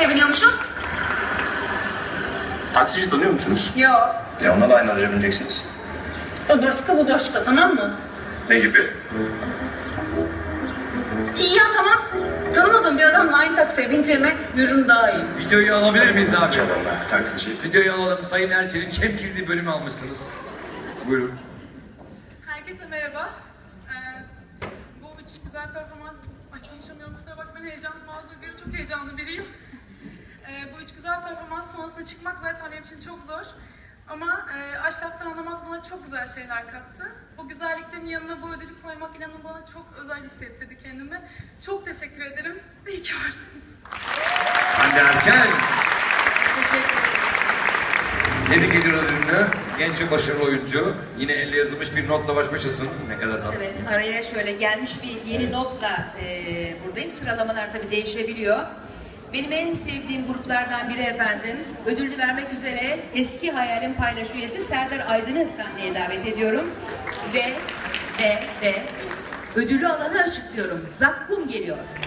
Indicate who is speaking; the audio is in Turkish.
Speaker 1: biniyormuşum?
Speaker 2: Taksici tanıyor musunuz?
Speaker 1: Yok.
Speaker 2: Onunla da aynı araca bineceksiniz.
Speaker 1: O Doşka bu Doşka, tamam mı?
Speaker 2: Ne gibi?
Speaker 1: İyi ya, tamam. Tanımadığım bir adamla aynı taksiye bineceğime yürürüm daha iyi.
Speaker 3: Videoyu alabilir miyiz abi?
Speaker 2: Çaballar, taksici.
Speaker 3: Videoyu alalım. Sayın Erçel'in Çemkirli bölümü almışsınız. Buyurun.
Speaker 4: Herkese merhaba. Bu üç güzel performans... Ay konuşamıyorum, kusura bakmayın, heyecanlı, mazur görün, çok heyecanlı biriyim. Bu üç güzel performans sonrasına çıkmak zaten benim için çok zor. Ama Aşraf'tan Anlamaz bana çok güzel şeyler kattı. Bu güzelliklerin yanına bu ödülü koymak inanın bana çok özel hissettirdi kendimi. Çok teşekkür ederim. İyi ki varsınız.
Speaker 3: Hande Erçel.
Speaker 1: Teşekkür ederim.
Speaker 3: Tebrik ediyoruz ödülünü. Genç ve başarılı oyuncu. Yine elle yazılmış bir notla baş başasın. Ne kadar tatlısın.
Speaker 5: Evet, araya şöyle gelmiş bir yeni notla buradayım. Sıralamalar tabii değişebiliyor. Benim en sevdiğim gruplardan biri efendim, ödülünü vermek üzere eski hayalim paylaş üyesi Serdar Aydın'ı sahneye davet ediyorum. Ve ödülü alanı açıklıyorum. Zakkum geliyor.